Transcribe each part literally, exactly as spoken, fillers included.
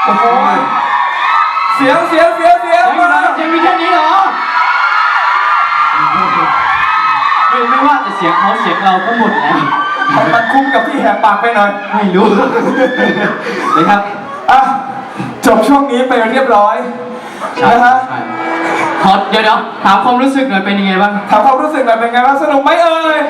โอ้โหเสียงเสียงเสียงเสียงยังอยู่นะยังมีแค่นี้เหรอไม่ไม่ว่าแต่เสียงเขาเสียงเราก็หมดแล้วมันคุ้มกับที่แหกปากไปหน่อยไม่รู้เลยครับอ่ะจบช่วงนี้ไปเรียบร้อยนะฮะขอเดี๋ยวเดี๋ยวถามความรู้สึกหน่อยเป็นยังไงบ้างถามความรู้สึกหน่อยเป็นไงบ้างสนุกไหมเอ่ย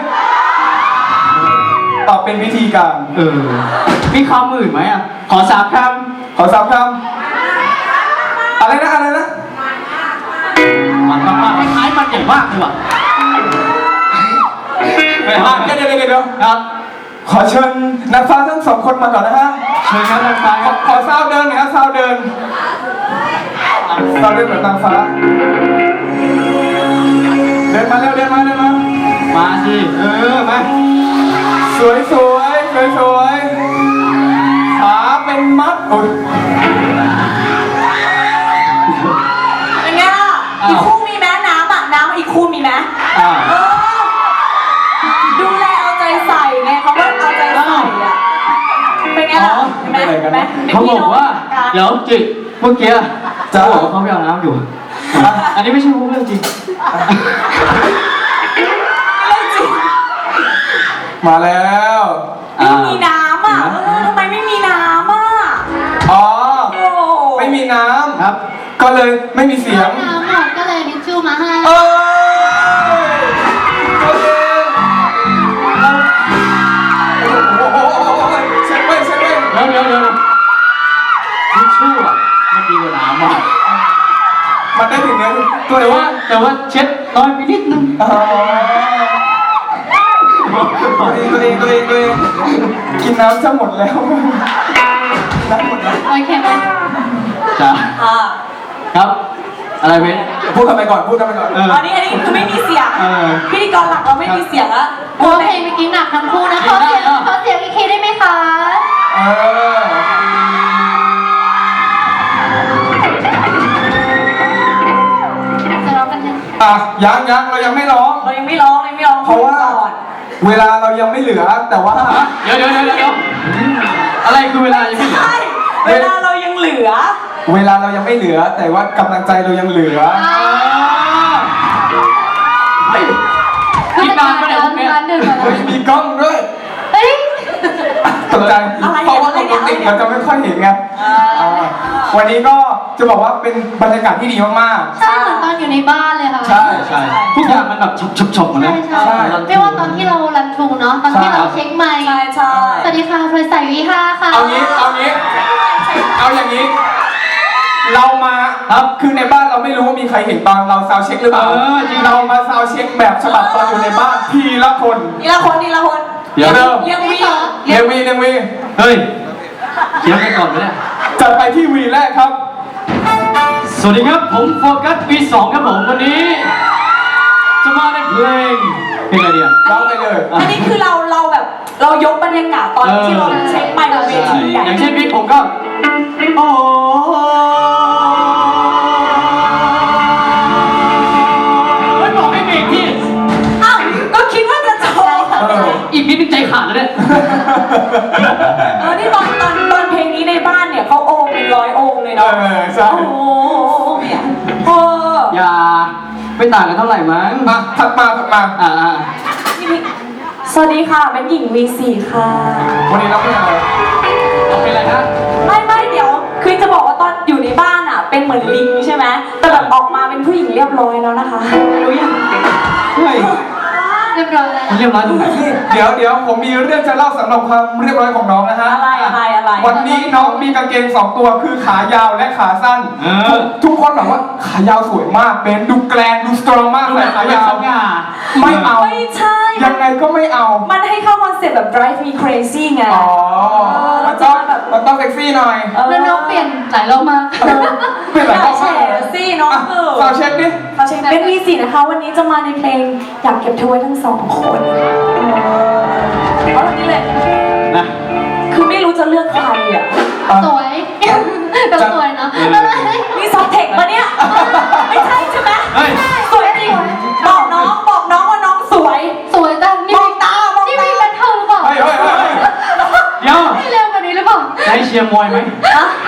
ตอบเป็นวิธีการเออมีคำอื่นไหมอ่ะขอสามคขอสามคำอะไรนะอะไรนะำมันมากๆคล้ายๆมันใหญ่มากเลยว่ะไม่อ่ะห้ามเดี๋ยวเดี๋ยวเดี๋ยวเดี๋ยวครับขอเชิญนักฟ้าทั้งสองคนมาก่อนนะฮะเชิญครับทางซ้ายขคอรับขอซาวเดินหน่อยฮะซาวเดินซาวเดินเหมือนนางฟ้าเดินมาเร็วเดินมาเดินมามาสิเออมาสวยสวยสวยสวยขาเป็นมัดโอ้ยเป็นไงล่ะอีกคู่มีไหมน้ำอ่ะน้ำอีกคู่มีไหมอ่าเออดูแลเอาใจใส่ไงเขาว่าเอาใจใส่อ่ะเป็นไงล่ะเห็นไหมเห็นไหมป็นเขาพี่บอกน้งว่ากันเดี๋ยวจิเมื่อกี้เขาบอกว่าเขาไปเอาน้ำอยู่ อันนี้ไม่ใช่เรื่องจริงเรื่องจริงมาแล้วไม่มีน้ำอ่ะเออทำไมไม่มีน้ำอ่ะอ๋อโอ้ไม่มีน้ครับำก็เลยไม่มีเสียงน้ำหมดก็เลยทิชชู่มาให้เอ้ยโอเคเราโอ้โหเช็ดไว้เช็ดไว้เดี๋ยวเดี๋ยวเดี๋ยวทิชชู่อ่ะมันดีกว่าน้ำอ่ะมันได้ถึงเนื้อตัวแต่เดียวว่าแต่ว่าเช็ดน้อยไปนิดนึงอ๋อตัวเองตัวเองตัวเองตัวเองกินน้ำจะหมดแล้วน้ำหมดแล้วโอเคไหมจ้าอ่าครับอะไรเว้นพูดกันไปก่อนพูดกันไปก่อนเอออันนี้อันนี้คือไม่มีเสียงเออพิธีกรหลักเราไม่มีเสียงแล้วโอ้เพลงเมื่อกี้หนักทั้งคู่นะขอเสียงขอเสียงอีกทีได้ไหมคะเออจะร้องกันยังอ่ะยังยังเรายังไม่ร้องเรายังไม่ร้องเลยไม่ร้องเพราะว่าก่อนเวลาเรายังไม่เหลือแต่ว่าเดี๋ยวเดี๋ยวเดี๋ยวเดี๋ยวอะไรคือเวลายังไม่เหลือใช่เวลาเรายังเหลือเวลาเรายังไม่เหลือ แต่ว่ากำลังใจเรายังเหลือเฮ้ยผู้อีกจัดนานการปะเนี่ยร้าพวน กเนี้ยร้านดื่มมาแล้เฮ้วยมีกล้องด้วยเฮ้ยตกใจอะไรเพราะว่าปกติเราจะไม่ค่อยเห็นไงอ่าวันนี้ก็จะบอกว่าเป็นบรรยากาศที่ดีมากใช่เหมือนตอนอยู่ในบ้านเลยค่ะๆ ใช่ใช่ทุกอย่างมันแบบฉบฉบๆหมดเลใช่ยใช่ไม่ว่าตอนที่เรารันทรูเนาะตอนที่เราเช็คไมค์ใช่ใช่สวัสดีค่ะพลอยสายวีห้าค่ะเอางี้เอางี้ เอาอย่างนี้ เรามาครับคือในบ้านเราไม่รู้ว่ามีใครเห็นตอนเราซาวด์เช็คหรือเปล่าเออจริงเรามาซาวด์เช็คแบบฉบับตอนอยู่ในบ้านทีละคนนี่ละคนนี่ละคนเดี๋ยวเริ่มเรียกวีเนวีเนวีเฮ้ยเขียนไปก่อนเลยเนี่ยจัดไปที่วีแรกครับสวัสดีครับผมโฟกัสปีสองครับผมวันนี้ จะมาในเพลงเพลงอะไรเดียวร้องไปเลยอันนี้คือเราเราแบบเรายกบรรยากาศตอนที่เราเช็คไมค์บนเวทีใหญ่อย่างเช่นพี่ผมก็โอ้ไม่บอกให้เบรกที่อ้าวก็คิดว่าจะโชว์เอออีกนิดนึงใจขาดแล้วเนี่ยเออนี่ตอนตอนตอนเพลงนี้ในบ้านเนี่ยเขาโอมเป็นร้อยองค์เลยเอเนาะอใช่โอ้โหเนี่ยเอออย่าไม่ต่างกันเท่าไหร่มั้งมาถัดมาถัดมาอ่าอ่าสวัสดีค่ะเป็นหญิง วี สี่ ค่ะวันนี้เราเป็นอะไรเอาเป็นอะไรนะไม่ไม่เดี๋ยว คือจะบอกว่าตอนอยู่ในบ้านอ่ะ เป็นเหมือนลิงใช่ไหมแต่แบบออกมาเป็นผู้หญิงเรียบร้อยแล้วนะคะรู้ยังเฮ้ยเรียบร้อยแล้วมันเรียบร้อยตรงไหนเดี๋ยวเดี๋ยวผมมีเรื่องจะเล่าสำหรับความเรียบร้อยของน้องนะฮะอะไรอะไรอะไรวันนี้น้องมีกางเกงสองตัวคือขายาวและขาสั้นเออทุกคนแบบว่าขายาวสวยมากเป็นดูแกรนดูสตรองมากดูเลแบยบขาขายาวสง่าไม่เอาไม่ใช่ยังไงก็ไม่เอามันให้เข้าคอนเซ็ปต์แบบ drive me crazy ไงอ๋อเมันต้องมันต้องเซ็กซี่หน่อยเออแล้วน้องเปลี่ยนหลายรอบมากเออเปลี่ยนหลายรอบแฉมากเลยสิน้องอ่ะเออสาวเช็คดิเราเช็คเป็น วี สี่ นะคะ วันนี้จะมาในเพลงอยากเก็บเธอไว้ทั้งสองคนเอาตรงนี้เลยนะคือไม่รู้จะเลือกใครอ่ะสวยก็สวยเนาะนี่ซอฟเทคปะเนี่ย ไม่ใช่ใช่ไหมเฮ้ยสวยจริงบอกน้องบอกน้องว่าน้องสวยสวยจังมนี่องตามองนี่ตามีเป็นเธอหรือเปล่าเฮ้ยเฮ้ยเฮ้ยเฮ้ยเดี๋ยวไม่เร็วกว่านี้หรือเปล่าได้เชียร์มวยไหมอะพ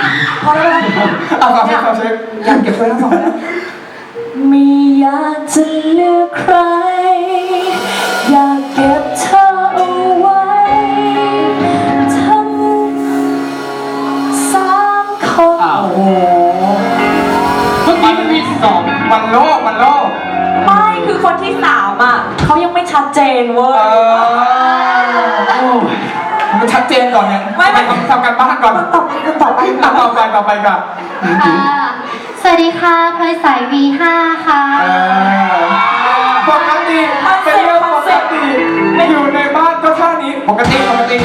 อแล้วนะเอาฟังเช็คฟังเช็คอยากเก็บไว้ทั้งสองแล้วไม่อยากจะเลือกใคร อยากเก็บเธอเอาไว้ทั้งสามคนอ้าวโอ้โหเมื่อกี้มันมีสองมันโลกมันโลกไม่คือคนที่สามอ่ะเขายังไม่ชัดเจนเว้เอย อโอ้ยมันชัดเจนก่อนเนี่ยไม่ไม่ทำทำการบ้านก่อนต่อไปต่อไปอ่ะต่อไปต่อไปก่อนค่ะสวัสดีค่ะพลอยสาย วี ห้า ค่ะเออปกติเป็นเรื่องปกติอยู่ในบ้านก็ท่านี้ปกติปกติ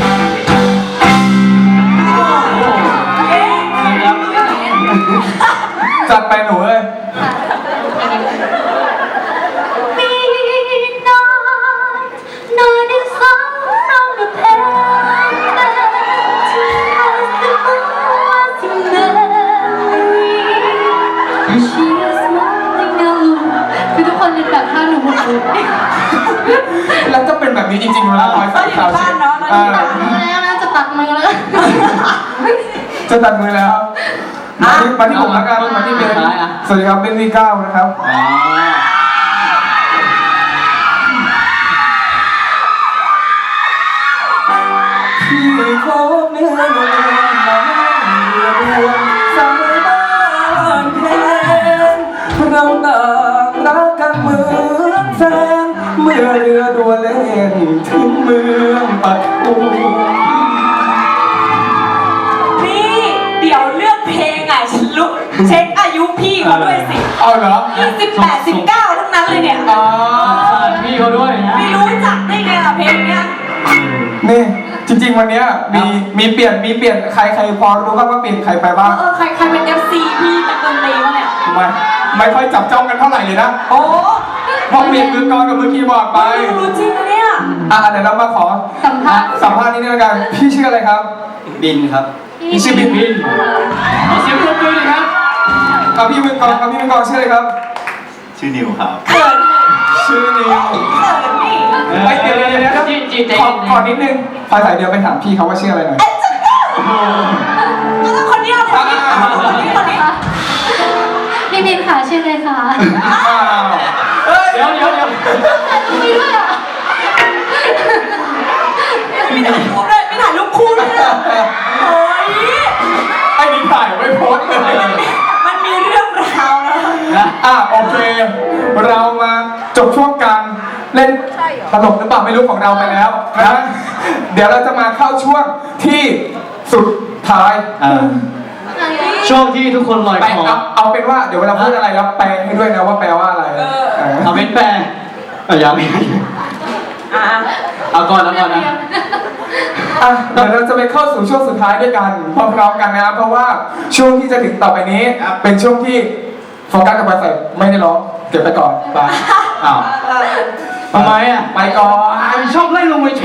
เอ๊ะนะครับจัดไปหนูเลย Midnight, not a song from the past, as the moon was in memory. She is smiling alone. คือทุกคนเป็นแบบท่าหนูหมดเลยแล้วจะเป็นแบบนี้จริงๆเวลาคอยใส่ขาวเช็ดอ่าตัดมือแล้วนะจะตัดมือแล้วจะตัดมือแล้วมาที่มาที่ผมแล้วกันมาที่เบนสวัสดีครับเบนวีเก้านะครับอ่าพี่พบเนื้อเนื้อมาเรือเรือนสายบ้านแทนเราต่างรักกันเหมือนแฟนเมื่อเรือด่วนเล่นถึงเมืองปัตตูนี่เดี๋ยวเลือกเพลงอ่ะฉันลุกเช็คอายุพี่เขาด้วยสิเอาเหรอยี่สิบแปดสิบเก้าทั้งนั้นเลยเนี่ยอ๋อสวัสดีเขาด้วยนะไม่รู้จักได้ไงล่ะเพลงเนี้ยนี่จริงๆวันเนี้ยมีมีเปลี่ยนมีเปลี่ยนใครใครพอรู้บ้างว่าเปลี่ยนใครไปเอบ้างอเออใครใครเป็น เอฟ ซี พี่นักดนตรีวะเนี่ยไม่ไม่ค่อยจับจ้องกันเท่าไหร่เลยนะโอ้พอเปลี่ยนมือกลองกับมือคีย์บอร์ดไปรู้รู้จริงนะเนี่ยอ่ะเดี๋ยวเรามาขอสัมภาษณ์สัมภาษณ์นิดนึงแล้วกันพี่ชื่ออะไรครับบินครับพี่ชื่อบินบินขอเสียงปรบมือหน่อยครับเอาพี่มือกลองเอาพี่มือกลองชื่ออะไรครับชื่อนิวครับเขินชื่อนิวเขินนี่ไอยเดี๋ยวเดี๋ยวเดี๋ยวเดี๋ยวจีจีใจขอเย็นๆขอนิดนึงพลอยสายเดียวไปถามพี่เขาว่าชื่ออะไรหน่อยโอ้โหแล้วคนเนี้ยคนนี้คนนี้คนนี้พี่บินค่ะชื่อเลยค่ะอ้าวเอ้ยเดี๋ยวเดี๋ยวเดี๋ยวมีด้วยอ่ะไม่ถ่ายรูปด้วยไม่ถ่ายรูปคู่ด้วยนะโอ้ยไอ้นี่ถ่ายไว้โพสต์เลยมันมีเรื่องราวนะนะอ่ะโอเค เรามาจบช่วงการเล่นตลกหรือเปล่าไม่รู้ของเราไปแล้วนะเดี๋ยวเราจะมาเข้าช่วงที่สุดท้ายอ่าช่วงที่ทุกคนลอยไปคอเอาเอาเป็นว่าเดี๋ยวเวลาพูดอะไรแล้วแปลให้ด้วยนะว่าแปลว่าอะไรเออเอาเป็นแปลเอายังไม่อ่ะเอาก่อนแล้วก่อนนะอ่ะเดี๋ยวเราจะไปเข้าสู่ช่วงสุดท้ายด้วยกันพร้อมๆกันนะครับเพราะว่าช่วงที่จะถึงต่อไปนี้ เป็นช่วงที่โฟกัสกับไปใส่ไม่ได้ร้องเก็บไปก่อนไปอ้าวทำไมอ่ะไปก่อนชอบไล่ลงไป